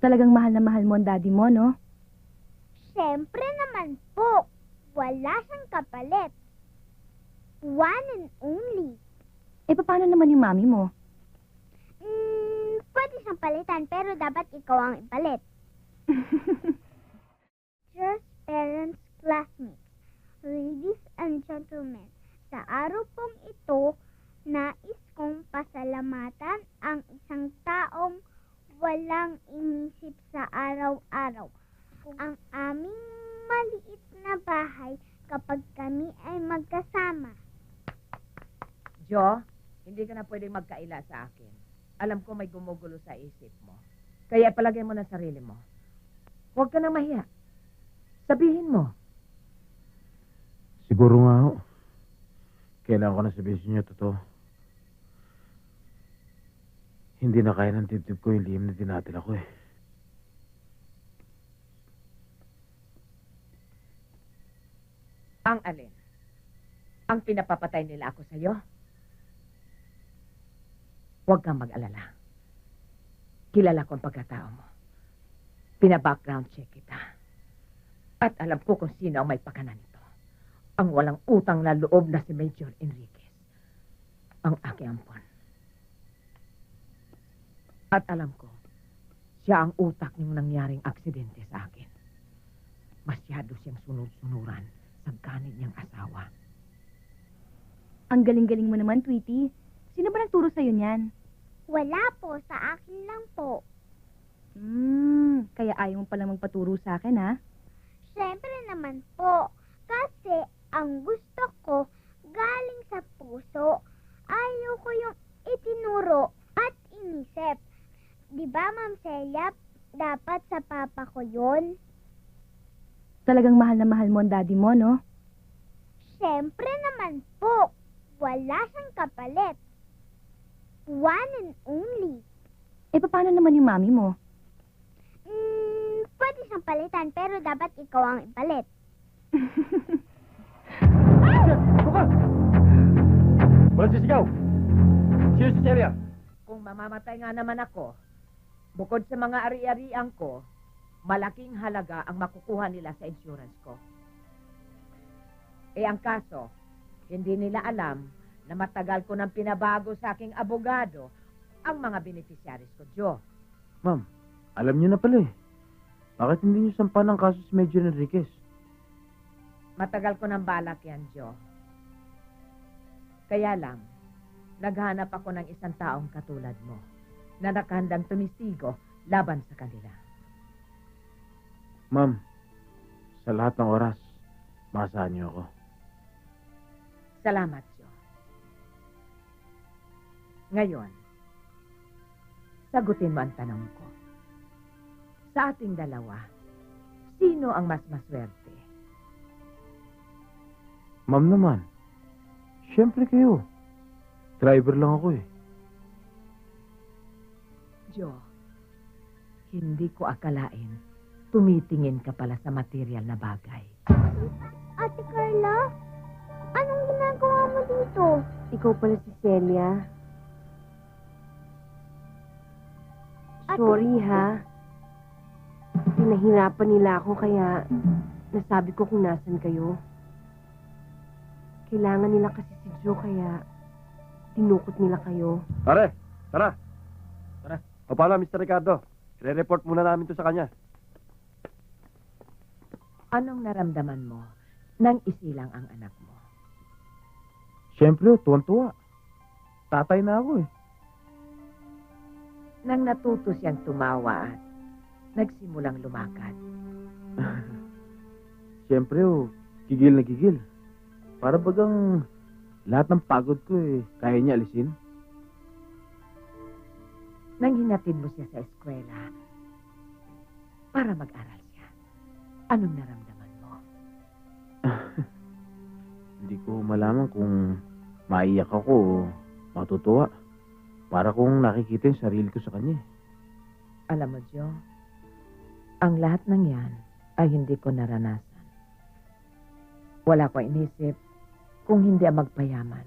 Talagang mahal na mahal mo ang daddy mo, no? Siyempre naman po. Wala siyang kapalit. One and only. Eh, paano naman yung mami mo? Pwede siyang palitan pero dapat ikaw ang ipalit. Just parents, classmates, ladies and gentlemen, sa araw pong ito, nais kong pasalamatan ang isang taong walang inisip sa araw-araw. Ang aming maliit na bahay kapag kami ay magkasama. Jo, hindi ka na pwedeng magkaila sa akin. Alam ko may gumugulo sa isip mo. Kaya palagay mo na sarili mo. Huwag ka na mahiya. Sabihin mo. Siguro nga ho. Kailangan ko na sabihin sa inyo totoo. Hindi na kaya ng tip-tip ko yung lihim na dinatila ko eh. Ang alin? Ang pinapapatay nila ako sa'yo? Huwag kang mag-alala. Kilala ko ang pagkatao mo. Pina-background check kita. At alam ko kung sino ang may pakanan nito. Ang walang utang na loob na si Major Enriquez. Ang aking ampon. At alam ko, siya ang utak ng nangyaring aksidente sa akin. Masyado siyang sunod-sunuran sa ganid niyang asawa. Ang galing-galing mo naman, Tweety. Sino ba nagturo sa'yo niyan? Wala po, sa akin lang po. Kaya ayaw mo palang magpaturo sa akin, ha? Siyempre naman po, kasi ang gusto ko galing sa puso. Ayaw ko yung itinuro at inisip. Di ba, Ma'am Celia, dapat sa papa ko yun? Talagang mahal na mahal mo ang daddy mo, no? Siyempre naman po, wala siyang kapalit. One and only. Eh, paano naman yung mami mo? Pwede siyang palitan pero dapat ikaw ang ipalit. Walang sisigaw! Sino si Celia? Kung mamamatay nga naman ako, bukod sa mga ari-arian ko, malaking halaga ang makukuha nila sa insurance ko. Eh ang kaso, hindi nila alam na matagal ko nang pinabago sa aking abogado ang mga beneficiaries ko, Jo. Ma'am, alam niyo na pala eh. Bakit hindi niyo sampan ang kaso si Major Enriquez? Matagal ko nang balak yan, Jo. Kaya lang, naghanap ako ng isang taong katulad mo na nakahandang tumistigo laban sa kanila. Ma'am, sa lahat ng oras, maasahan niyo ako. Salamat, Jo. Ngayon, sagutin mo ang tanong ko. Sa ating dalawa, sino ang mas maswerte? Ma'am naman, siyempre kayo. Driver lang ako eh. Jo, hindi ko akalain tumitingin ka pala sa material na bagay. Ate Carla, anong ginagawa mo dito? Ikaw pala si Celia. Sorry ha. Pinahirapan nila ako kaya nasabi ko kung nasan kayo. Kailangan nila kasi si Joe kaya tinukot nila kayo. Pare, tara. Tara. O paano, Mr. Ricardo? Re-report muna namin to sa kanya. Anong naramdaman mo nang isilang ang anak mo? Siyempre, tuwan-tuwa. Tatay na ako eh. Nang natuto siyang tumawa at nagsimulang lumakad. Siyempre, gigil na gigil. Para bagang lahat ng pagod ko eh, kaya niya alisin. Nang hinatid mo siya sa eskwela para mag-aral siya, anong naramdaman mo? Hindi ko malaman kung maiyak ako o matutuwa. Para kung nakikita yung sarili ko sa kanya. Alam mo, Jo, ang lahat ng yan ay hindi ko naranasan. Wala ko inisip kung hindi ang magpayaman.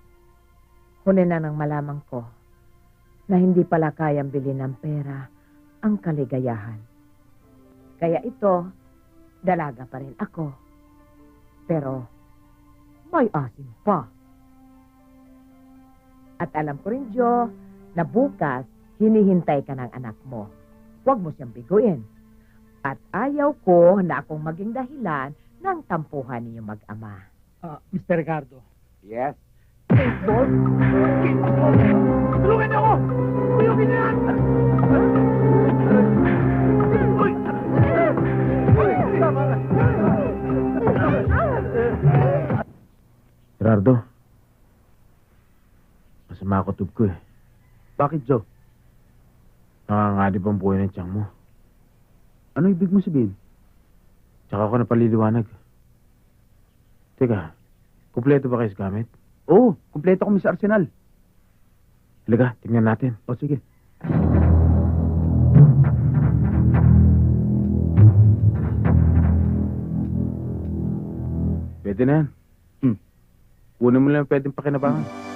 Huli na nang malaman ko na hindi pala kayang bilhin ng pera ang kaligayahan. Kaya ito, dalaga pa rin ako. Pero, may asim pa. At alam ko rin, Jo, na bukas, hinihintay ka ng anak mo. Huwag mo siyang biguin. At ayaw ko na akong maging dahilan ng tampuhan niyo mag-ama. Mr. Ricardo. Yes? Baseball? Tulungan niyo ako! Tuyukin niyo yan! Gerardo, masama ako tub ko eh. Bakit, Joe? Nanganganib ang buhay ng tiyang mo. Ano ibig mo sabihin? Tsaka ako napaliliwanag. Teka, kumpleto ba kayo sa gamit? Oo, kumpleto kami sa arsenal. Halika, tingnan natin. O, sige. Pwede na yan. Kunin mo lang yung pwedeng pakinabangan.